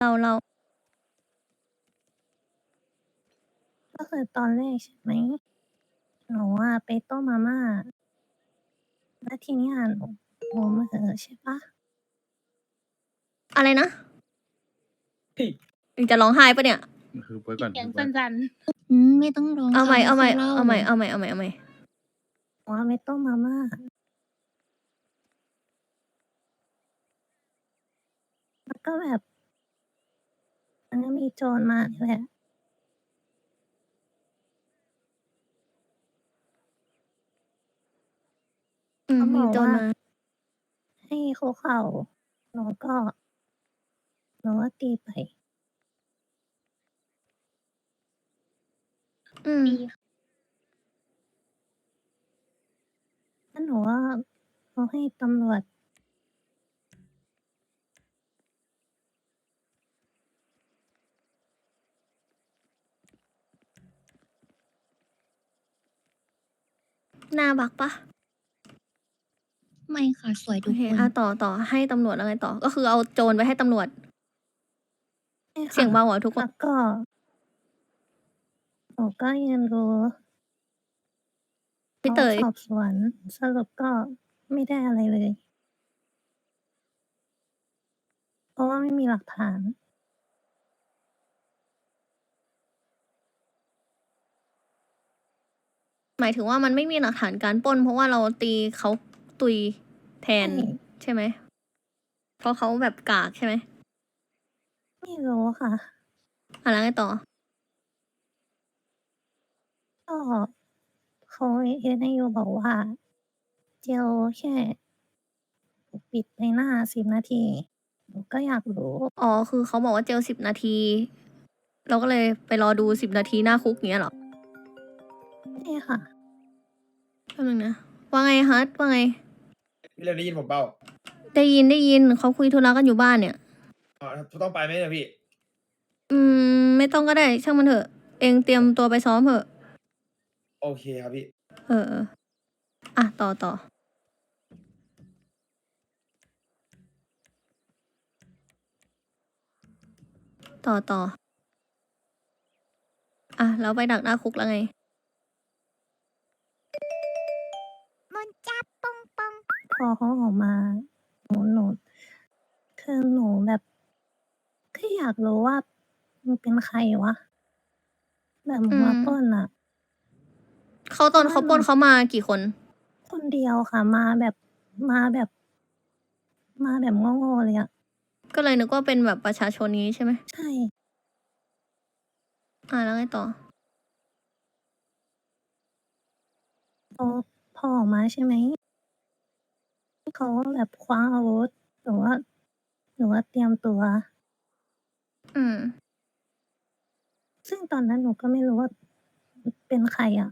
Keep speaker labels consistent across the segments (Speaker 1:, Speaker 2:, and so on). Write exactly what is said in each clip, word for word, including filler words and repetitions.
Speaker 1: เราเรา
Speaker 2: ก็คือตอนแรกใช่ไหมหนูอะไปต้มมาม่าแล้วทีเนี้ยหนูหนูมาเหอะใช่ปะ
Speaker 1: อะไรนะ
Speaker 3: เฮ้ย
Speaker 1: มึงจะร้องไห้ปะเนี่ย
Speaker 4: คือไว้ก่อน
Speaker 5: เสียง
Speaker 4: ไว้
Speaker 5: สั่น
Speaker 6: อืมไม่ต้องร้อง
Speaker 1: เอาใหม่
Speaker 6: ค่ะ
Speaker 1: เอาใหม่
Speaker 6: ค่ยล่
Speaker 1: เอาใหม่ เอาใหม่ เอาใหม่ เอาใหม่
Speaker 2: หนูอะไปต้มมาม่าแล้วก็แบบมันก็มีโจรมานี่แหละ
Speaker 1: อืม
Speaker 2: เขาบ
Speaker 1: มี
Speaker 2: อก
Speaker 1: โจร
Speaker 2: ว่า
Speaker 1: มา
Speaker 2: ให้คุกเข่าหนูก็หนูก็ตีไป
Speaker 1: อืม
Speaker 5: ๆดี
Speaker 2: แล้วหนูก็เขาให้ตำรวจ
Speaker 1: หน้าบักปะ
Speaker 6: ไม่ค่ะ สวย
Speaker 1: โอ
Speaker 6: ทุก
Speaker 1: เค
Speaker 6: คน
Speaker 1: อ่ะ ต่อ ต่อ ให้ตำรวจแล้วไงต่อ ก็คือเอาโจรไปให้ตำรวจ
Speaker 2: ใช่
Speaker 1: เสียง
Speaker 2: ค่ะ
Speaker 1: เบาเหรอทุกค
Speaker 2: แล้
Speaker 1: น
Speaker 2: วก็ หนูก็ยืนดู
Speaker 1: พี่
Speaker 2: เขา
Speaker 1: เต๋ย
Speaker 2: สอบสวน สรุปก็ไม่ได้อะไรเลย เพราะว่าไม่มีหลักฐาน
Speaker 1: หมายถึงว่ามันไม่มีหลักฐานการปล้น เพราะว่าเราตีเขาตุยแท
Speaker 2: ใช่
Speaker 1: น ใช่ไหม เพราะเขาแบบกากใช่ไหม?
Speaker 2: ไม่รู้ค่ะ
Speaker 1: อ่ะ แล้วไงต่อ?
Speaker 2: ก็เขา เอส ไอ ยู บอกว่า เจลแค่ ปกปิดใบหน้า สิบ นาที หนูก็อยากรู้
Speaker 1: อ๋อ คือเขาบอกว่าเจล สิบ นาที เราก็เลยไปรอดู สิบ นาทีหน้าคุก อย่างเงี้ยเหรอ?
Speaker 2: ใช่ค่ะ
Speaker 1: แป๊บหนึ่งนะ ว่าไงฮัท ว่าไง?
Speaker 3: พี่เร็วได้ยินผมเปล่า?
Speaker 1: ได้ยิน ได้ยิน เขาคุยธุระกันอยู่บ้านเนี่ย
Speaker 3: อ๋อ ต้องไปไหมเนี่ยพี่?
Speaker 1: อืม ไม่ต้องก็ได้ ช่างมันเถอะ เองเตรียมตัวไปซ้อมเถอะ
Speaker 3: โอเคครับพี่
Speaker 1: เออ ๆ อะ ต่อ ต่อ ต่อ ต่อ อะ แล้วไปดักหน้าคุกแล้วไง?
Speaker 2: พอเขาออกมา หนู หนู คือหนูแบบแค่อยากรู้ว่ามึงเป็นใครวะ? แบบมึ
Speaker 1: อื
Speaker 2: งมาม ปล้นอะ
Speaker 1: เขา ตอนเขาปล้นเขามากี่คน?
Speaker 2: คนเดียวค่ะ มาแบบ มาแบบ มาแบบโง่ ๆ เลยอะ
Speaker 1: ก็เลยนึกว่าเป็นแบบประชาชนงี้ใช่ไหม?
Speaker 2: ใช่
Speaker 1: อา แล้วไงต่อ?
Speaker 2: พอ พอออกมาใช่ไหม เขาก็แบบคว้าอาวุธ หนูก็ หนูก็เตรียมตัว
Speaker 1: อืม
Speaker 2: ซึ่งตอนนั้นหนูก็ไม่รู้ว่า อ เป็นใครอะ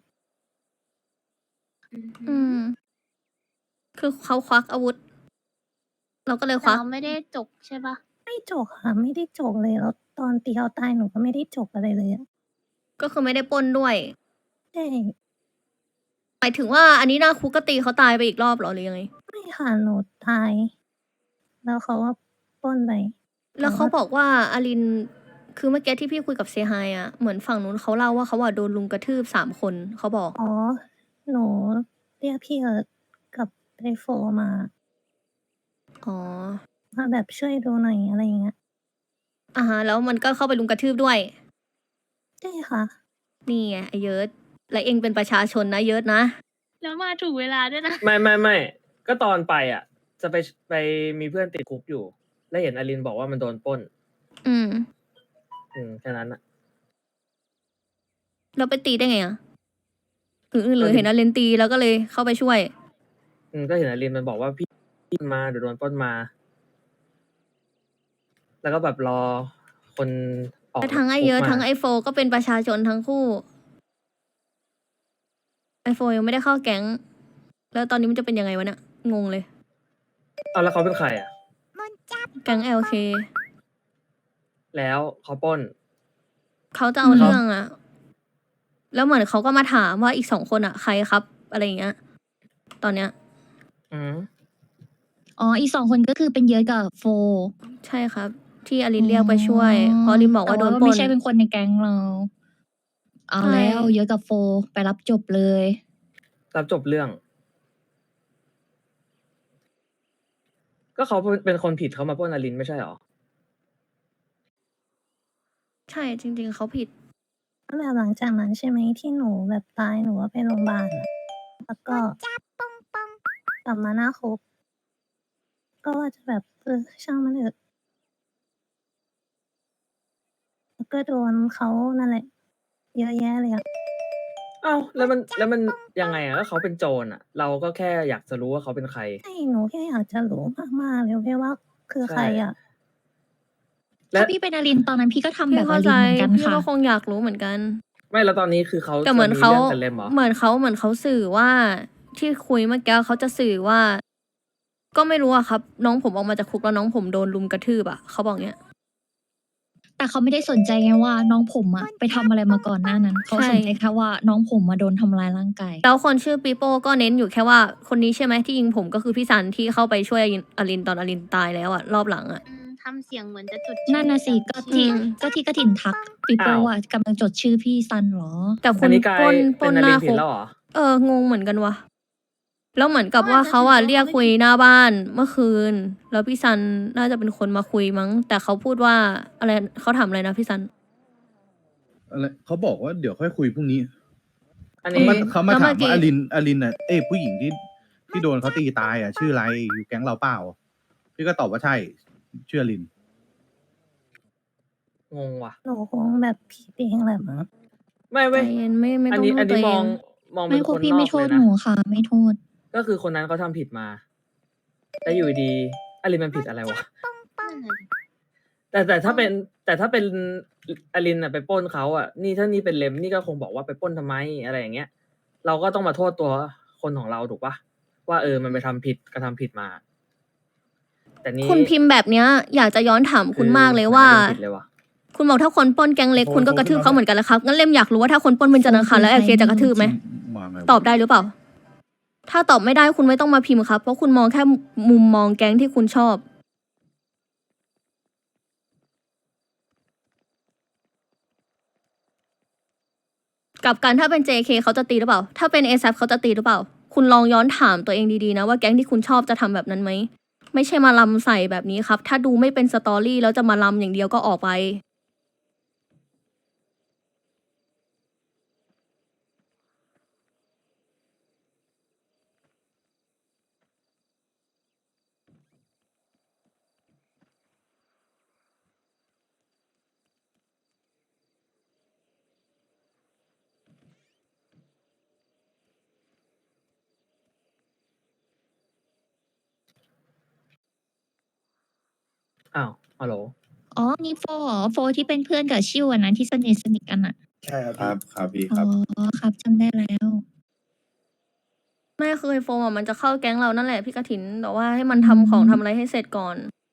Speaker 5: อือฮ
Speaker 1: อื
Speaker 5: ึ
Speaker 1: ม คือเขาควักอาวุธ เราก็เลย
Speaker 5: แต
Speaker 1: ค่วั
Speaker 5: เร
Speaker 1: ก
Speaker 5: าไม่ได้จกใช่เปล่า?
Speaker 2: ไม่จกค่ะ ไม่ได้จกเลย แล้วตอนตีเขาตายหนูก็ไม่ได้จกอะไรเลยอะ
Speaker 1: ก็คือไม่ได้ปล้นด้วย
Speaker 2: ใช่
Speaker 1: หมายถึงว่า อันนี้หน้าคุกก็ตีเขาตายไปอีกรอบเหรอ หรือยังไง?
Speaker 2: ไม่ค่ะ หนูตาย แล้วเขาก็ปล้นไป
Speaker 1: แล
Speaker 2: แต่้ว
Speaker 1: เข่า
Speaker 2: า
Speaker 1: บอกว่า อลิน คือเมื่อกี้ที่พี่คุยกับเซฮายอะ เหมือนฝั่งนู้นเขาเล่าว่า เขาอะโดนรุมกระทืบ สาม คน เขาบอก
Speaker 2: อ๋อ หนูเรียกพี่เอิร์ธกับไอ้โฟมา
Speaker 1: อ๋อ
Speaker 2: มาแบบช่วยดูหน่อย อะไรอย่างเงี้ย
Speaker 1: อะฮะ แล้วมันก็เข้าไปรุมกระทืบด้วย
Speaker 2: ใช่ค่ะ
Speaker 1: นี่ไงไอ้เยิร์ด และเองเป็นประชาชนนะเยิร์ดนะ
Speaker 5: แล้วมาถูกเวลาด้วยนะ
Speaker 3: ไม่ ๆ ๆ ก็ตอนไปอะ จะไป ช ไปมีเพื่อนติดคุกอยู่ แล้วเห็นอลินบอกว่ามันโดนปล้น
Speaker 1: อืม
Speaker 3: อืม แค่นั้นน่ะ
Speaker 1: แล้วไปตีได้ไงอะ? หรือ ห
Speaker 3: ก
Speaker 1: ร็ือ
Speaker 3: เ
Speaker 1: เ
Speaker 3: ห
Speaker 1: ห็
Speaker 3: ็น
Speaker 1: นอลินตีแล้วก็เลยเข้าไปช่วย?
Speaker 3: อืม ก็เห็นอลินมันบอกว่า พี่ มา เดี๋ยวโดนปล้นมา แล้วก็แบบรอคนออ
Speaker 1: แล
Speaker 3: ก้
Speaker 1: ว
Speaker 3: จา
Speaker 1: ทั้ง
Speaker 3: ก
Speaker 1: ไอ้
Speaker 3: คุ
Speaker 1: เย
Speaker 3: กิ
Speaker 1: ร์ด
Speaker 3: มา
Speaker 1: ทั้งไอ้โฟก็เป็นประชาชนทั้งคู่ ไอ้โฟยังไม่ได้เข้าแก๊ง แล้วตอนนี้มันจะเป็นยังไงวะเนี่ย งงเลย
Speaker 3: อ้าว แล้วเขาเป็นใครอะ?
Speaker 1: แก๊ง แอล เค
Speaker 3: แล้วเขาปล้น
Speaker 1: เขาจะ
Speaker 6: อื
Speaker 1: เอา
Speaker 6: ม
Speaker 1: เรื่องอะ แล้วเหมือนเขาก็มาถามว่า "อีก สอง คนอะใครครับ?" อะไรอย่างเงี้ย ตอนเนี้ย
Speaker 3: อือฮึ
Speaker 6: อ๋อ อีก สอง คนก็คือเป็นเยิร์ดกับโฟ
Speaker 1: ใช่ครับที่อลินเรียกไปช่วย เพราะอลินบอกว่าโดนปล้
Speaker 4: ไม่
Speaker 1: น
Speaker 4: ใช่เป็นคนในแก๊งเรา เอา
Speaker 1: ใช่
Speaker 4: แล้วเยอะกับโฟไปรับจบเลย
Speaker 3: รับจบเรื่อง ก็เขาเป็นคนผิดเขามาปล้นอลินไม่ใช่หรอ
Speaker 1: ใช่จริง ๆเขาผิด
Speaker 2: แบบหลังจากนั้นใช่ไหมที่หนูแบบตายหนูว่าไปโรงพยาบาลอะแล้วก็กลับมาหน้าคุกก็ว่าจะแบบเออช่างมันเถอะแล้วก็โดนเขานั่นแหละ เยอะแยะเลยอะ
Speaker 3: เอ้าแล้วมันแล้วมันยังไงอ่ะก็เขาเป็นโจรอ่ะ เราก็แค่อยากจะรู้ว่าเขาเป็นใคร
Speaker 2: ใช่หนูแค่อยากจะรู้มากๆเลยพี่ว่าคือใครอะ
Speaker 3: และ
Speaker 4: ถ้าพี่เป็นอลินตอนนั้นพี่ก็ทำแบ
Speaker 1: พี่
Speaker 4: บอ
Speaker 1: เข้า
Speaker 4: ลิ
Speaker 1: ใจ
Speaker 4: นเหมือนกัน
Speaker 1: พี่
Speaker 4: ค่ะ
Speaker 1: ก็คงอยากรู้เหมือนกัน
Speaker 3: ไม่แล้วตอนนี้คือเขา
Speaker 1: แต่เหมือน
Speaker 3: จะ
Speaker 1: เขา
Speaker 3: เรื่องกันเล่มเหรอ
Speaker 1: เหมือนเขาเหมือนเขาสื่อว่าที่คุยเมื่อกี้เขาจะสื่อว่า ก็ไม่รู้อะครับ น้องผมออกมาจากคุกแล้วน้องผมโดนลุมกระทืบอะเขาบอกเนี้ย
Speaker 4: แต่เขาไม่ได้สนใจไงว่าน้องผมอะไปทำอะไรมาก่อนหน้านั้น เขา
Speaker 1: ใช่
Speaker 4: สนใจแค่ว่าน้องผมมาโดนทำร้ายร่างกาย
Speaker 1: แล้วคนชื่อปีโป้ก็เน้นอยู่แค่ว่าคนนี้ใช่ไหมที่ยิงผมก็คือพี่ซันที่เข้าไปช่วยอลินตอนอลินตายแล้วอะรอบหลังอะ
Speaker 5: อืมทำเสียงเหมือนจะจด
Speaker 4: นั่นน่ะสิก็ที่
Speaker 1: อืม
Speaker 4: ก็ที่กระถินทักปีโป้
Speaker 3: อ้าว
Speaker 4: อะกำลังจดชื่อพี่ซันเหรอ
Speaker 1: แต่ค
Speaker 3: อัน
Speaker 1: น
Speaker 3: นี้กลาย
Speaker 1: ปล้นป
Speaker 3: เป็
Speaker 1: ล้
Speaker 3: น
Speaker 1: น
Speaker 3: อ
Speaker 1: ห
Speaker 3: ลิ
Speaker 1: น้าน
Speaker 3: ผิ
Speaker 1: คุ
Speaker 3: ด
Speaker 1: ก
Speaker 3: แล้วเหรอ
Speaker 1: เอองงเหมือนกันวะแล้วเหมือนกับว่าเขาอะเรียกคุยหน้าบ้านเมื่อคืน แล้วพี่ซันน่าจะเป็นคนมาคุยมั้ง แต่เขาพูดว่าอะไรเขาถามอะไรนะพี่ซัน
Speaker 6: อะไรเขาบอกว่าเดี๋ยวค่อยคุยพรุ่งนี้
Speaker 3: อัน
Speaker 6: เขา
Speaker 3: นี้
Speaker 6: มาเขามา
Speaker 1: แล้วเมื่
Speaker 6: ถาม
Speaker 1: อกี้
Speaker 6: ว่าอลินอลินอ่ะเอ้ยผู้หญิงที่ที่โดนเขาตีตายอ่ะ ชื่ออะไรอยู่แก๊งเราเปล่า พี่ก็ตอบว่าใช่ชื่ออลิน
Speaker 3: งงว่ะ
Speaker 2: หนูคงแบบผิดเองแหละมั้ง
Speaker 3: ไม่
Speaker 1: ใจ
Speaker 3: เว้ย
Speaker 1: เย็นไม่ไม่
Speaker 3: อัน
Speaker 1: ต้อง
Speaker 3: นี้
Speaker 1: โท
Speaker 3: อั
Speaker 1: ษ
Speaker 3: น
Speaker 1: ตั
Speaker 3: นี้
Speaker 1: วเอ
Speaker 3: มอง
Speaker 1: ง
Speaker 3: มองเป็
Speaker 4: ไม่
Speaker 3: น
Speaker 4: พ
Speaker 3: คว
Speaker 4: ก
Speaker 3: น
Speaker 4: พี่
Speaker 3: นอ
Speaker 4: ไม่
Speaker 3: ก
Speaker 4: โท
Speaker 3: เล
Speaker 4: ษ
Speaker 3: ย
Speaker 4: ห
Speaker 3: นะ
Speaker 4: นูค่ะ ไม่โทษ
Speaker 3: ก็คือคนนั้นเขาทำผิดมา แล้วอยู่ดีๆอลินมันผิดอะไรวะ
Speaker 5: นั่นน่ะดิ
Speaker 3: แต่แต่ถ้าเป็นแต่ถ้าเป็นอลินอ่ะไปปล้นเขาอ่ะ นี่ถ้านี่เป็นเลมนี่ก็คงบอกว่าไปปล้นทำไมอะไรอย่างเงี้ย เราก็ต้องมาโทษตัวคนของเราถูกปะว่าเออมันไปทำผิดกระทำผิดมา แต่นี่
Speaker 1: คุณพิมพ์แบบเนี้ยอยากจะย้อนถามคุณมากเลย
Speaker 3: คือ
Speaker 1: ว่า
Speaker 3: หมอลินผิดเลยว่ะ
Speaker 1: คุณบอกถ้าคนปล้นแก๊งเล็กคุณก็กระทืบเขาเหมือนกันแล้วครับงั้นเล่มอยากรู้ว่าถ้าคนปล้นเป็นจันทร์อังคารแล้วแอลเคจะกระทืบไหม
Speaker 6: มาไงวะ
Speaker 1: ตอบได้หรือเปล่า ถ้าตอบไม่ได้คุณไม่ต้องมาพิมพ์ครับ เพราะคุณมองแค่มุมมองแก๊งที่คุณชอบ กับการถ้าเป็น เจ เค เขาจะตีหรือเปล่า ถ้าเป็น เอ แซป เขาจะตีหรือเปล่า คุณลองย้อนถามตัวเองดีๆนะว่าแก๊งที่คุณชอบจะทำแบบนั้นไหม ไม่ใช่มาลำใส่แบบนี้ครับ ถ้าดูไม่เป็นสตอรี่แล้วจะมาลำอย่างเดียวก็ออกไป
Speaker 3: อ้าวฮัลโหล
Speaker 4: อ๋อ นี่โฟเหรอ โฟที่เป็นเพื่อนกับชิวอันนั้นที่สนิทสนิทกันอะ
Speaker 7: ใช่ครับ
Speaker 8: ครับครับพี่ค
Speaker 4: อ๋
Speaker 8: รับ
Speaker 4: อ ครับจำได้แล้ว
Speaker 1: ไม่เคยโฟมอ่ะมันจะเข้าแก๊งเรานั่นแหละพี่กฐินแต่ว่าให้มันทำของทำอะไรให้เสร็จก่อน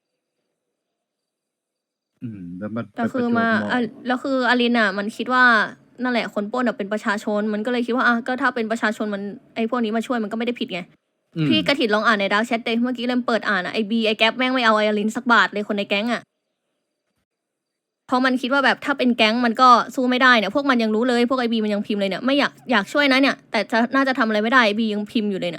Speaker 6: อืมแล้วมัน
Speaker 1: แต่
Speaker 6: ไป
Speaker 1: คือ
Speaker 6: ประจวบ
Speaker 1: มา
Speaker 6: เหะ
Speaker 1: อ่ะแล้วคืออลินอ่ะ มันคิดว่านั่นแหละคนปล้นอ่ะเป็นประชาชน มันก็เลยคิดว่าอ่ะก็ถ้าเป็นประชาชนมันไอ้พวกนี้มาช่วยมันก็ไม่ได้ผิดไง
Speaker 6: อืม
Speaker 1: พี่กฐินลองอ่านในดาร์กแชทเลยเมื่อกี้เริ่มเปิดอ่านอ่ะไอบีไอแก๊ปแม่งไม่เอาไออลินสักบาทเลยคนในแก๊งอ่ะเพราะมันคิดว่าแบบถ้าเป็นแก๊งมันก็สู้ไม่ได้เนี่ยพวกมันยังรู้เลยพวกไอบีมันยังพิมพ์เลยเนี่ยไม่อยากอยากช่วยนะเนี่ย แต่จะน่าจะทำอะไรไม่ได้ไอบียังพิมพ์อยู่เลยเนี่ย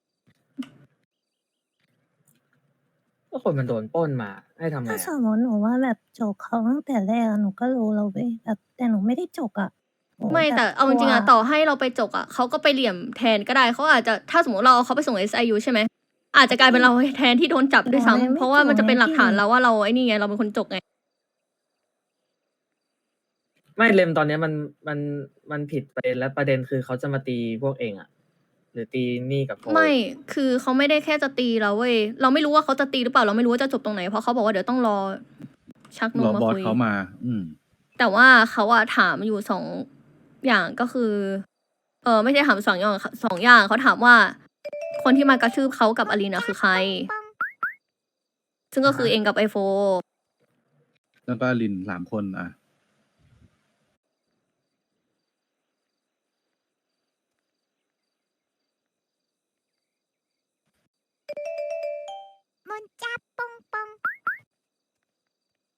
Speaker 3: ก็คนมันโดนปล้นมาให้ทำไง
Speaker 2: ถ้าส
Speaker 3: อะ
Speaker 2: มมติหนูว่าแบบจกเขาตั้งแต่แรกอะหนูก็รู้แล้วเว้ยแบบแต่หนูไม่ได้จกอะหนู
Speaker 1: ไม่
Speaker 2: บบ
Speaker 1: แต่เอาจริงๆอะ
Speaker 2: กลัว
Speaker 1: ต่อให้เราไปจกอะเขาก็ไปเหลี่ยมแทนก็ได้เขาอาจจะถ้าสมมติเราเอาเขาไปส่ง เอส ไอ ยู ใช่ไหมอาจจะกลายเป็นเราแทนที่โดนจับด้วยซ้ำเพราะว่ามันจะเป็นหลักฐานเราว่าเราไอ้นี่ไงเราเป็นคนจกไง
Speaker 3: ไม่เลมตอนเนี้ยมันมันมันผิดประเด็นแล้วประเด็นคือเขาจะมาตีพวกเองอะหรือตีนี่กับโฟ
Speaker 1: ไม่คือเขาไม่ได้แค่จะตีเราเว้ยเราไม่รู้ว่าเขาจะตีหรือเปล่าเราไม่รู้ว่าจะจบตรงไหนเพราะเขาบอกว่าเดี๋ยวต้องรอชักน
Speaker 6: ร
Speaker 1: ม
Speaker 6: อ
Speaker 1: มา
Speaker 6: บอส
Speaker 1: คุย
Speaker 6: เขามา อืม
Speaker 1: แต่ว่าเขาอะถามอยู่สองอย่างก็คือ เออไม่ใช่ถามสองอย่างสองอย่างเขาถามว่า คนที่มากระทืบเขากับอลีนาคือใคร ซึ่งก็คือเองกับไอโฟ
Speaker 6: แล้วก็อลินสามคนอ่ะ
Speaker 9: มันจับปองปอง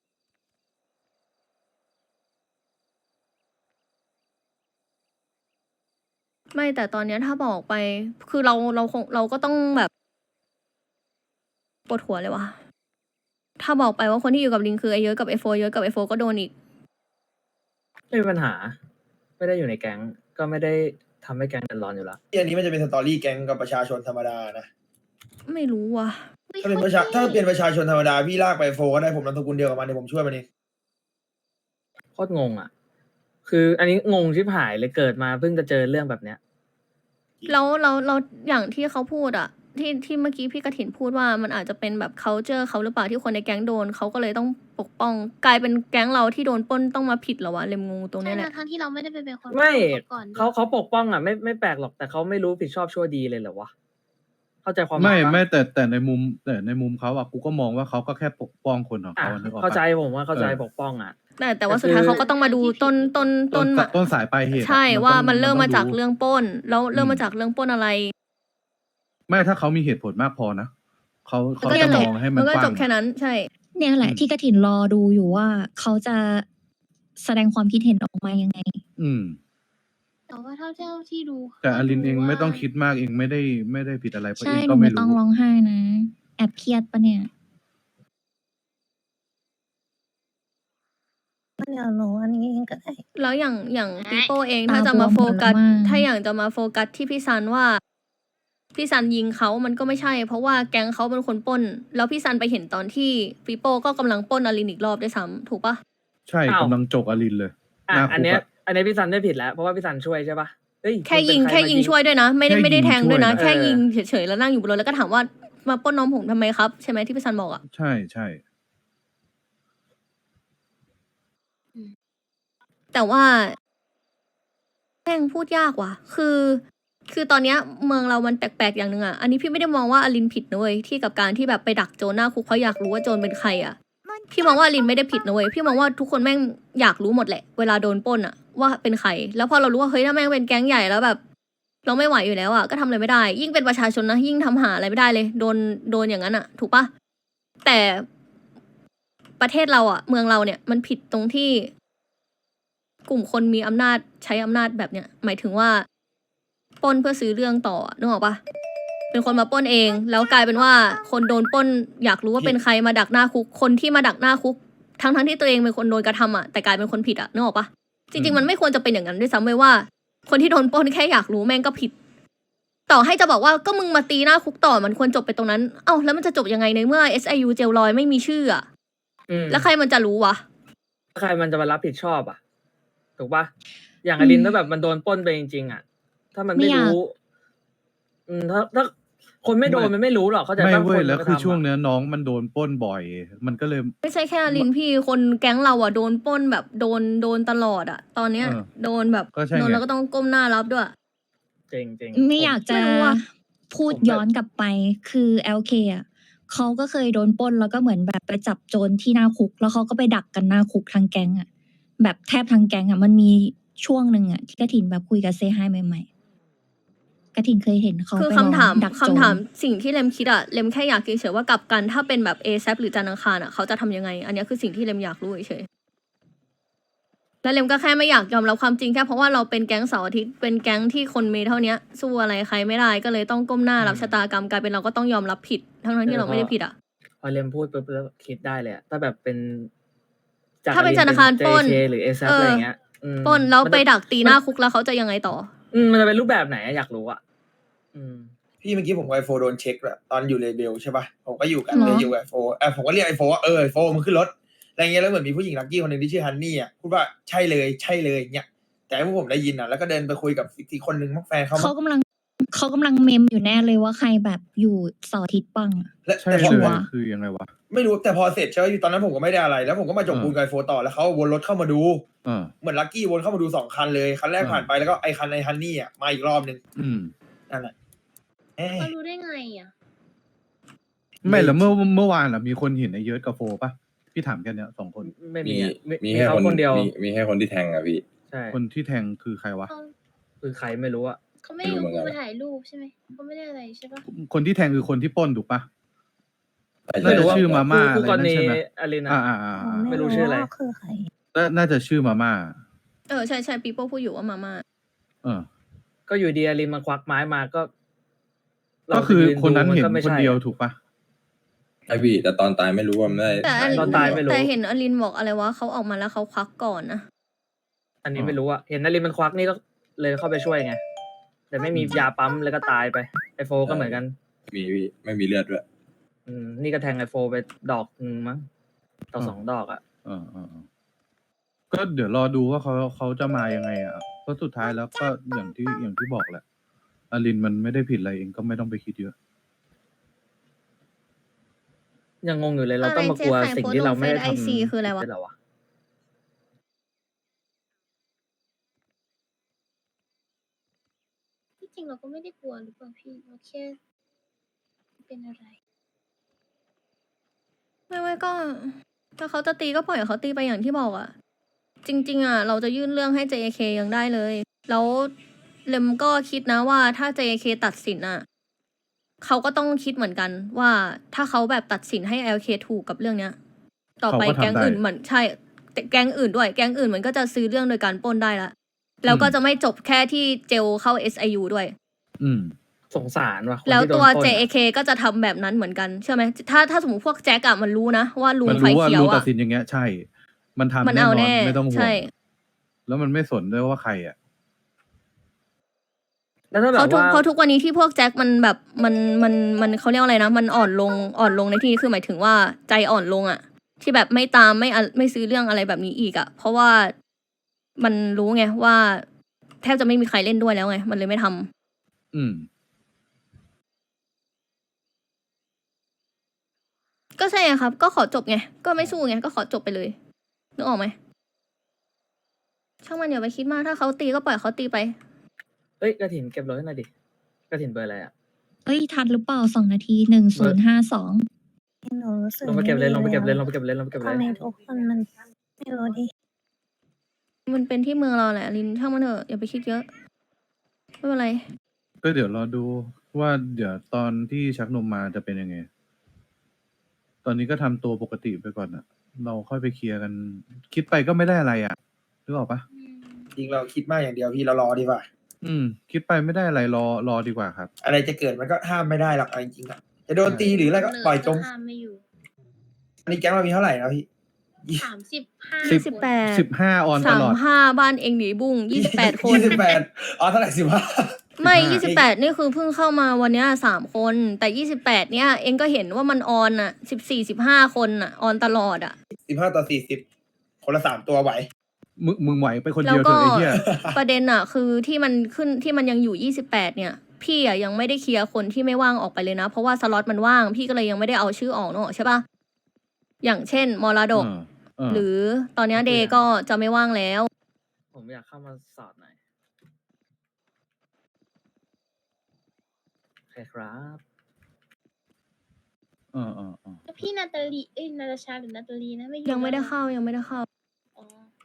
Speaker 1: ไม่แต่ตอนเนี้ยถ้าบอกไป คือเราเราคงเราก็ต้องแบบปวดหัวเลยวะถ้าบอกไปว่าคนที่อยู่กับลิงคือไอเยอะกับไอโฟเยอะกับไอโฟก็โดนอีก
Speaker 3: ไม่มีปัญหา ไม่ได้อยู่ในแก๊งก็ไม่ได้ทำให้แก๊งเดือดร้อนอยู่แล้ว
Speaker 7: อันนี้มันจะเป็นสตอรี่แก๊งกับประชาชนธรรมดานะ
Speaker 1: ไม่รู้ว่ะ
Speaker 7: ถ้าเป็นประชาถ้าเป็นประชาชนธรรมดาพี่ลากไปโฟก็ได้ผมนามสกุลเดียวกับมันเดี๋ยวผมช่วยมันเอง
Speaker 3: โคตรงงอ่ะ คืออันนี้งงชิบหายเลยเกิดมาเพิ่งจะเจอเรื่องแบบเนี้ย
Speaker 1: แล้วเราเราอย่างที่เขาพูดอะที่ที่เมื่อกี้พี่กระถินพูดว่ามันอาจจะเป็นแบบ culture เขาหรือเปล่าที่คนในแก๊งโดนเขาก็เลยต้องปกป้อง กลายเป็นแก๊งเราที่โดนปล้นต้องมาผิดเหรอวะเลมงงตรง
Speaker 5: ใช่
Speaker 1: เนี้ยแหละ
Speaker 5: ทั้งที่เราไม่ได้ไปเป็นคน
Speaker 3: ไม่
Speaker 5: พูดก่อนด้วย
Speaker 3: เขาเขาปกป้องอ่ะไม่ไม่แปลกหรอกแต่เขาไม่รู้ผิดชอบชั่วดีเลยเหรอวะเข้าใจความห
Speaker 6: ไม่
Speaker 3: ยปะ
Speaker 6: ไม่แต่แต่ในมุมแต่ในมุมเขาอะกูก็มองว่าเขาก็แค่ปกป้องคนของ
Speaker 3: อ่ะ
Speaker 6: เขานึกออกปะ
Speaker 3: เข้าใจผมว่าเข้าใจ
Speaker 6: เออ
Speaker 3: ปกป้องอ่ะ
Speaker 1: แต่แต่ว่า
Speaker 3: แต่
Speaker 1: สุดท้าย
Speaker 3: คือ
Speaker 1: เขาก็ต้องมาดูต้นต้น
Speaker 6: ต้
Speaker 1: ต้
Speaker 6: น
Speaker 1: น
Speaker 6: ส
Speaker 1: มา
Speaker 6: ต้นสายปลายเหตุอะ
Speaker 1: ใช่
Speaker 6: ต้
Speaker 1: ว่า
Speaker 6: อง
Speaker 1: มันเริ่ม
Speaker 6: ต้
Speaker 1: มาจาก
Speaker 6: ดู
Speaker 1: เรื่องปล้น แล้วเริ่ม
Speaker 6: อืม
Speaker 1: มาจากเรื่องปล้นอะไร
Speaker 6: ไม่ถ้าเขามีเหตุผลมากพอนะเขาเขา
Speaker 1: ก็
Speaker 6: จะ
Speaker 1: นั่นแห
Speaker 6: ม
Speaker 1: ละ
Speaker 6: องให้
Speaker 1: มั
Speaker 6: มัน น
Speaker 1: ก็
Speaker 6: กว้า
Speaker 1: จ
Speaker 6: ง
Speaker 1: บแค่นั้นใช่
Speaker 4: เนี่ยแหละ
Speaker 6: อืม
Speaker 4: ที่กระถินรอดูอยู่ว่าเขาจะแสดงความคิดเห็นออกมายังไง
Speaker 6: อืม
Speaker 5: แต่ว่าเท่าเท่าที่ดู
Speaker 6: แต่อลินเอง
Speaker 5: ขาดู
Speaker 6: ไม่ต้อง
Speaker 5: ว่า
Speaker 6: คิดมากเองไม่ได้ไม่ได้ผิดอะไรเพราะ
Speaker 4: ใช่
Speaker 6: เอง
Speaker 4: หนู
Speaker 6: ก็ไม่
Speaker 4: ไม่ต้อง
Speaker 6: รู้
Speaker 4: ร้องไห้นะ แอบเครียดปะเนี่ย
Speaker 2: เดี๋ยวหนูอันนี้เองก็ได้
Speaker 1: แล้วอย่างอย่างปีโป้เอง
Speaker 4: ตา
Speaker 1: ถ้าจะมา
Speaker 4: บวม
Speaker 1: โฟกัส
Speaker 4: หมดแล้วมั้ง
Speaker 1: ถ้าอย่างจะมาโฟกัสที่พี่ซันว่า พี่ซันยิงเขามันก็ไม่ใช่ เพราะว่าแก๊งเขาเป็นคนปล้น แล้วพี่ซันไปเห็นตอนที่ปีโป้ก็กำลังปล้นอลินอีกรอบด้วยซ้ำถูกปะ
Speaker 6: ใช่
Speaker 3: อ้าว
Speaker 6: กำลังจกอลินเลย
Speaker 3: อ่ะ
Speaker 6: หน้า
Speaker 3: อัน
Speaker 6: คุก
Speaker 3: เนี้ย
Speaker 6: อะ
Speaker 3: อันเนี้ยพี่ซันได้ผิดแล้วเพราะว่าพี่ซันช่วยใช่ปะเฮ้ย
Speaker 1: แค่
Speaker 3: มันเป็
Speaker 1: ยิ
Speaker 3: น
Speaker 1: ง
Speaker 3: ใร
Speaker 1: แค่
Speaker 3: มา
Speaker 1: ยิงช่วยด้วยนะ ไม่ได้
Speaker 6: แค่
Speaker 1: ไม่ได้
Speaker 6: ยิง
Speaker 1: แทงด้วยนะ
Speaker 6: ช่วยนะ
Speaker 1: แค่
Speaker 3: เออ
Speaker 1: ยิงเฉยๆแล้วนั่งอยู่บนรถแล้วก็ถามว่ามาปล้นน้องผมทำไมครับใช่ไหมที่พี่ซันบอกอะ
Speaker 6: ใช่ใช่
Speaker 1: แต่ว่าแม่งพูดยากว่ะ คือ คือตอนเนี้ยเมืองเรามันแปลกๆอย่างหนึ่งอะอันนี้พี่ไม่ได้มองว่าอลินผิดนะเว้ยที่กับการที่แบบไปดักโจรหน้าคุกเพราะอยากรู้ว่าโจรเป็นใครอะพี่มองว่าอลินไม่ได้ผิดนะเว้ยพี่มองว่าทุกคนแม่งอยากรู้หมดแหละเวลาโดนปล้นอะว่าเป็นใคร แล้วพอเรารู้ว่าเฮ้ยถ้าแม่งเป็นแก๊งใหญ่แล้วแบบ เราไม่ไหวอยู่แล้วอะก็ทำอะไรไม่ได้ ยิ่งเป็นประชาชนนะยิ่งทำหาอะไรไม่ได้เลย โดนโดนอย่างนั้นอะถูกปะแต่ประเทศเราอะเมืองเราเนี่ยมันผิดตรงที่ กลุ่มคนมีอำนาจใช้อำนาจแบบเนี้ยหมายถึงว่าปล้นเพื่อซื้อเรื่องต่อนึกออกปะเป็นคนมาปล้นเอง แล้วกลายเป็นว่าคนโดนปล้นอยากรู้ว่าเป็นใครมาดักหน้าคุก คนที่มาดักหน้าคุก ทั้งทั้งๆที่ตัวเองเป็นคนโดนกระทำอ่ะแต่กลายเป็นคนผิดอ่ะนึกออกปะจริง ๆ มันไม่ควรจะเป็นอย่างนั้นด้วยซ้ำเลยว่า คนที่โดนปล้นแค่อยากรู้แม่งก็ผิด ต่อให้จะบอกว่าก็มึงมาตีหน้าคุกต่อมันควรจบไปตรงนั้นเอ้าแล้วมันจะจบยังไงในเมื่อ เอส ไอ ยู เจลลอยไม่มีชื่ออ่ะ
Speaker 3: อืม
Speaker 1: แล้วใครมันจะรู้วะ
Speaker 3: ใครมันจะมารับผิดชอบอ่ะถูกปะอย่างอลินถ้าแบบมันโดนปล้นไปจริงๆอ่ะถ้ามันไม่
Speaker 4: ไม่อยาก
Speaker 3: รู้ อืมถ้าถ้าคนไม่โดนมันไม่รู้หรอกเขาใจ
Speaker 6: ไม่
Speaker 3: ปะ
Speaker 6: เว้
Speaker 3: ค
Speaker 6: ย
Speaker 3: น
Speaker 6: แล้ว
Speaker 3: ไป
Speaker 6: คือ
Speaker 3: ทำะ
Speaker 6: ช่วงเนี้ยน้องมันโดนปล้นบ่อย มันก็เลย
Speaker 1: ไม่ใช่แค่อลินพี่คนแก๊งเราอ่ะโดนปล้นแบบโดนโดนตลอดอ่ะ ตอนเนี้ย
Speaker 6: เออ
Speaker 1: โดนแบบ
Speaker 6: ก็ใช่ไง
Speaker 1: โดนแล้วก็ต้องก้มหน้ารับด้วย
Speaker 3: จริงจริง
Speaker 4: ไม่อยากจะ
Speaker 1: ไม่รู้อะ
Speaker 4: พูดย้อนกลับไปคือ แอล เค อ่ะเขาก็เคยโดนปล้นแล้วก็เหมือนแบบไปจับโจรที่หน้าคุก แล้วเขาก็ไปดักกันหน้าคุกทางแก๊งอ่ะแบบแทบทางแก๊งอ่ะมันมีช่วงหนึ่งอ่ะที่กระถินแบบคุยกับเซฮายใหม่ๆกระถินเคยเห็นเขา
Speaker 1: คือ
Speaker 4: ไป
Speaker 1: คำ
Speaker 4: ลอง
Speaker 1: ถาม
Speaker 4: ดัก
Speaker 1: คำ
Speaker 4: โจร
Speaker 1: ถามสิ่งที่เลมคิดอะเลมแค่อยากเฉยๆว่ากลับกันถ้าเป็นแบบ เอ แซป หรือจันทร์อังคารอะเขาจะทำยังไง อันเนี้ยคือสิ่งที่เลมอยากรู้เฉยๆแล้วเลมก็แค่ไม่อยากยอมรับความจริงแค่เพราะว่าเราเป็นแก๊งเสาร์อาทิตย์เป็นแก๊งที่คนมีเท่าเนี้ยสู้อะไรใครไม่ได้ก็เลยต้องก้มหน้ารับชะตากรรมกลายเป็นเราก็ต้องยอมรับผิดทั้งๆที่เราไม่ได้ผิดอะ
Speaker 3: พอเรมพูดปุ๊บแล้วคิดได้เลยอะถ้าแบบเป็น
Speaker 1: ถ้าเป็นธนาคารปล้น
Speaker 3: เจ หรือเอซ
Speaker 1: เอออ
Speaker 3: อะไรอย่างเงี้ยอืม
Speaker 1: ปล้นแล้ว
Speaker 3: มัน
Speaker 1: ไป
Speaker 3: จะ
Speaker 1: ดักตีหน้าคุกแล้วเขาจะยังไงต่อ
Speaker 3: อืมมันจะเป็นรูปแบบไหนอะอยากรู้อะอืม
Speaker 7: พี่เมื่อกี้ผมกับไอโฟโดนเช็คแหละตอนอยู่เลเบลใช่ป่ะผมก็อยู่กัน
Speaker 4: เหรอ
Speaker 7: เลยอยู่กับไอโฟเออผมก็เรียกไอโฟว่าเออไอโฟมึงขึ้นรถอะไรเงี้ยแล้วเหมือนมีผู้หญิงลักกี้คนหนึ่งที่ชื่อฮันนี่อ่ะพูดว่าใช่เลยใช่เลยเงี้ยแต่พวกผมได้ยินอ่ะแล้วก็เดินไปคุยกับอีกคนนึงมักแฟนเขา
Speaker 4: เขากำลังเขากำลังเมมอยู่แน่เลยว่าใครแบบอยู่เสาร์อาทิตย์ปังอะ
Speaker 7: และ
Speaker 6: ใช่
Speaker 7: แต่พอ
Speaker 6: เลย
Speaker 4: วะ
Speaker 6: คือยังไงวะ
Speaker 7: ไม่รู้แต่พอเสร็จใช่ไหมตอนนั้นผมก็ไม่ได้อะไร แล้วผมก็มาจบ
Speaker 6: เออ
Speaker 7: ปูนกับไอโฟต่อแล้วเขาวนรถเข้ามาดู
Speaker 6: เออ
Speaker 7: เหมือนลักกี้วนเข้ามาดูสองคันเลยคันแรก
Speaker 6: เออ
Speaker 7: ผ่านไปแล้วก็ไอคันไอฮันนี่อ่ะมาอีกรอบนึง
Speaker 6: อืม
Speaker 7: นั่นแหละเอ๊ะ
Speaker 5: เขารู้ได้ไงอ่ะ
Speaker 6: ไม่แล้วเมื่อเมื่อวานล่ะมีคนเห็นไอ้เยิร์ดกับโฟป่ะพี่ถามแค่เนี้ยสองคน
Speaker 3: ไม่
Speaker 8: มี
Speaker 3: มีอะมี
Speaker 8: มี
Speaker 3: มี
Speaker 8: แค่
Speaker 3: เขา
Speaker 8: คน
Speaker 3: คนเดียว
Speaker 8: มีมีแค่คนที่แทงอะพี่
Speaker 3: ใช่
Speaker 6: คนที่แทงคือใครวะ
Speaker 5: เขา
Speaker 3: คือใครไม่รู้อะ
Speaker 5: เขาไม่ได้
Speaker 8: ไม่รู้เหมือนกัน
Speaker 5: มาถ่ายรูปใช่ไหมเขาไม่ได้อะไรใช่ปะ
Speaker 6: คนที่แทงคือคนที่ปล้นถูกปะ
Speaker 8: แต่
Speaker 6: น่าจะ
Speaker 8: ว่า
Speaker 6: ชื่อมาม่า
Speaker 3: คู่
Speaker 6: อะไร
Speaker 3: กร
Speaker 6: นั่น
Speaker 3: ณี
Speaker 6: ใช่ไหม
Speaker 3: อลิน
Speaker 6: อ่า
Speaker 3: อะ
Speaker 6: อ่าอ่า
Speaker 2: อ๋อ
Speaker 6: อ่า
Speaker 3: ไม่รู้ชื่ออะไร
Speaker 2: ว่าคือใคร
Speaker 6: น่าน่าจะชื่อมาม่า
Speaker 1: เออใช่ใช่ปีโป้พูดอยู่ว่ามาม่า
Speaker 6: เออ
Speaker 3: ก็อยู่ดีอลินมาควักไม้มาก็เรา
Speaker 6: ก็คือ
Speaker 3: จะยื
Speaker 6: คนนั้น
Speaker 3: ดูมั
Speaker 6: เห็น
Speaker 3: ก็ไม่
Speaker 6: คน
Speaker 3: ใช่
Speaker 6: เดียว
Speaker 3: อะ
Speaker 6: ถูกปะ
Speaker 8: ไอพี่ แต่ตอนตายไม่รู้ว่ามันได้
Speaker 1: แต่อัน
Speaker 3: ตอนตายไม่รู้
Speaker 1: แต่เห็นอลินบอกอะไรวะเขาออกมาแล้วเขาควักก่อนนะ
Speaker 3: อันนี้ไม่รู้อะเห็นอลินมันควักนี่ก็เลยเข้าไปช่วยไง แต่ไม่มียาปั๊มแล้วก็ตายไปไอโฟก็เหมือนกัน
Speaker 8: มีพี่ไม่มีเลือดด้วย
Speaker 3: อืมนี่ก็แทงไอโฟไปดอกหนึงมั้งต่อสองดอกอะ
Speaker 6: เออเออเออก็เดี๋ยวรอดูว่าเขาเขาจะมายังไงอ่ะเพราะสุดท้ายแล้วก็อย่างที่อย่างที่บอกแหละอลินมันไม่ได้ผิดอะไรเองก็ไม่ต้องไปคิดเยอะ
Speaker 3: ยังงงอยู่เลยเราต้องมากลัวสิ่งที่เราไม่ได้ทำ
Speaker 1: ไอซีคืออะไรวะ
Speaker 3: ด้เหวะ
Speaker 5: ที่จริงเราก็ไม่ได้กลัวหรือเปล่าพี่เราแค่เป็นอะไร
Speaker 1: ไม่ไม่ก็ถ้าเขาจะตีก็ปล่อยเขาตีไปอย่างที่บอกอะจริง ๆอะเราจะยื่นเรื่องให้ เจ เค ยังได้เลย แล้วเลมก็คิดนะว่าถ้า เจ เค ตัดสินอะเขาก็ต้องคิดเหมือนกันว่าถ้าเขาแบบตัดสินให้ แอล เค ถูกกับเรื่องเนี้ย ต่อไป
Speaker 6: เขาก็ทำ
Speaker 1: แก๊งอื่น
Speaker 6: ได้
Speaker 1: เหมือนใช่แต่แก๊งอื่นด้วยแก๊งอื่นมันก็จะซื้อเรื่องโดยการปล้นได้ละแล้วก็
Speaker 6: อืม
Speaker 1: จะไม่จบแค่ที่เจลเข้า เอส ไอ ยู ด้วย
Speaker 6: อืม
Speaker 3: สงสารว่ะคน
Speaker 1: แล้ว
Speaker 3: ที่โดน
Speaker 1: ตัว
Speaker 3: ปล้นอะ
Speaker 1: เจ เค ก็จะทำแบบนั้นเหมือนกันเชื่อไหมถ้าถ้าสมมติพวกแจ็คอะมันรู้นะว่าลุง
Speaker 6: มัน
Speaker 1: ไฟ
Speaker 6: รู้ว่า
Speaker 1: เขียว
Speaker 6: รู้ตั
Speaker 1: อะ
Speaker 6: ดสินอย่างเงี้ย ใช่ มันทำ
Speaker 1: มัน
Speaker 6: แน่
Speaker 1: เอา
Speaker 6: นอ
Speaker 1: แน่
Speaker 6: นไม่ต้องห่ว
Speaker 1: ใช่
Speaker 6: งแล้วมันไม่สนด้วยว่าใครอ่ะ
Speaker 3: แล้วถ้าแบ
Speaker 1: เพราะ
Speaker 3: บ
Speaker 1: ทุก
Speaker 3: ว่า
Speaker 1: เพราะทุกวันนี้ที่พวกแจ็คมันแบบมันมันมันเขาเรียกว่าอะไรนะ มันอ่อนลงอ่อนลงในที่นี้คือหมายถึงว่าใจอ่อนลงอะที่แบบไม่ตามไม่อะไม่ซื้อเรื่องอะไรแบบนี้อีกอะเพราะว่ามันรู้ไงว่า แทบจะไม่มีใครเล่นด้วยแล้วไง มันเลยไม่ทำ
Speaker 6: อืม
Speaker 1: ก็ใช่ไงครับ ก็ขอจบไง ก็ไม่สู้ไง ก็ขอจบไปเลย นึกออกไหม ช่างมันอย่าไปคิดมาก ถ้าเขาตีก็ปล่อยเขาตีไป
Speaker 3: เอ้ยกระถินเก็บรถให้หน่อยดิกระถินเบอร์อะไรอะ
Speaker 4: เอ้ย ทันหรือเปล่าสองนาทีหนึ่งศูนย์ห้าสอง
Speaker 2: หนูรู้สึก
Speaker 3: ลงไปเก็บเลย
Speaker 2: ม่
Speaker 3: ลงไป
Speaker 2: ดี
Speaker 3: เก็บเลย
Speaker 2: อะ
Speaker 3: ลงไปเก็บเลยลงไปเก็บเล
Speaker 2: ทำ
Speaker 3: ย
Speaker 2: ไมทุกคนมันไม่รู้ดิ
Speaker 1: มันเป็นที่เมืองเราแหละลินช่างมันเถอะอย่าไปคิดเยอะ ไม่เป็นไร
Speaker 6: ก็เดี๋ยวรอดูว่าเดี๋ยวตอนที่ชักนมมาจะเป็นยังไง ตอนนี้ก็ทำตัวปกติไปก่อนอ่ะ เราค่อยไปเคลียร์กัน คิดไปก็ไม่ได้อะไรอ่ะนึกออกปะ
Speaker 7: จริงเราคิดมากอย่างเดียวพี่เรารอดีกว่า
Speaker 6: อืม คิดไปไม่ได้อะไรรอรอดีกว่าครับ
Speaker 7: อะไรจะเกิดมันก็ห้ามไม่ได้หรอกเอาจริงๆอะจะโดนตีหรืออะไรก็ปล่อยจม
Speaker 5: ห้ามไม่อยู่
Speaker 7: อันนี้แก๊งเรามีเท่าไหร่นะพี่
Speaker 5: สามสิบห้า
Speaker 6: สิบ
Speaker 1: สิบแปด
Speaker 6: สิบห้าออนต
Speaker 1: สา
Speaker 6: ล
Speaker 1: ม
Speaker 6: อด
Speaker 1: ห้าบ้านเองหนีบุ้งยี่สิบแปดคน
Speaker 7: ยี่สิบแปดอ๋อเท่าไหร่สิบห้า
Speaker 1: ไม่
Speaker 6: สิบห้า
Speaker 1: ยี่สิบแปดนี่คือเพิ่งเข้ามาวันเนี้ยสามคน แต่ยี่สิบแปดเนี้ยเองก็เห็นว่ามันออนอ่ะสิบสี่สิบห้าคนอ่ะ ออนตลอดอ่ะ
Speaker 7: สิบห้าต่อสี่สิบคนละสามตัวไหว
Speaker 6: มึงมึงไหวไปคน
Speaker 1: แล้
Speaker 6: เดี
Speaker 1: ว
Speaker 6: ยวเถ
Speaker 1: ก็
Speaker 6: อะไอ้เหี้ย
Speaker 1: ประเด็นอ่ะ คือที่มันขึ้นที่มันยังอยู่ยี่สิบแปดเนี่ย พี่อ่ะยังไม่ได้เคลียร์คนที่ไม่ว่างออกไปเลยนะ เพราะว่าสล็อตมันว่าง พี่ก็เลยยังไม่ได้เอาชื่อออกเนอะใช่ปะอย่างเช่นมรดก
Speaker 6: เออเออ
Speaker 1: หรือตอนเนี้ยเดย์ก็จะไม่ว่างแล้ว
Speaker 3: ผมอยากเข้ามาสอดหน่อยโอเคครับ
Speaker 6: เออเออเออ
Speaker 5: แล้วพี่นาตาลี เอ้ยนาตาชาหรือนาตาลีนะไม่อยู่
Speaker 1: ยังไม่ได้
Speaker 5: แล้วหรอ
Speaker 1: เข้ายังไม่ได้เข้า
Speaker 5: อ๋อ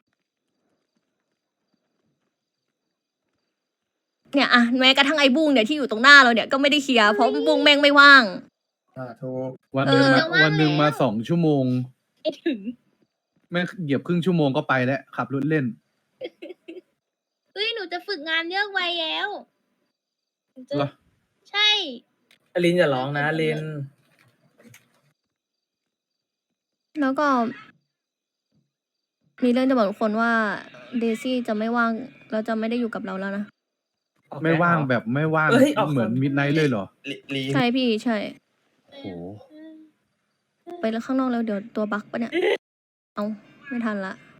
Speaker 1: เนี่ยอะแม้กระทั่งไอ้บุ้งเนี่ยที่อยู่ตรงหน้าเราเนี่ยก็ไม่ได้เคลียร์เพราะบุ้งแม่งไม่ว่าง
Speaker 7: อ่าถูก
Speaker 6: วันหนึ่ง
Speaker 1: เออ
Speaker 6: มาวันหนึ่งมาสองชั่วโมง
Speaker 5: ไอ้ถึง
Speaker 6: แม่งเหยียบครึ่งชั่วโมงก็ไปแล้วขับรถเล่น
Speaker 5: เฮ้ยหนูจะฝึกงานเลือกไวแล้วหนูจะ
Speaker 6: เหรอ
Speaker 5: ใช่
Speaker 3: อลินอย่าร้องนะอลิน
Speaker 1: แล้วก็ มีเรื่องจะบอกทุกคนว่าเดซี่จะไม่ว่างแล้วจะไม่ได้อยู่กับเราแล้วนะ
Speaker 3: ออก
Speaker 6: ไม่ว่าง
Speaker 3: แก๊งเหรอ
Speaker 6: แบบไม่ว่าง
Speaker 3: เอ้ยออก
Speaker 6: เหมือน
Speaker 3: คน
Speaker 6: มิดไนท์เลยเหรอ
Speaker 7: ลีลี
Speaker 1: ใช่พี่ใช่
Speaker 6: โอ้โห
Speaker 1: ไปแล้วข้างนอกแล้วเดี๋ยวตัวบั๊กปะเนี่ย เอาไม่ทันละ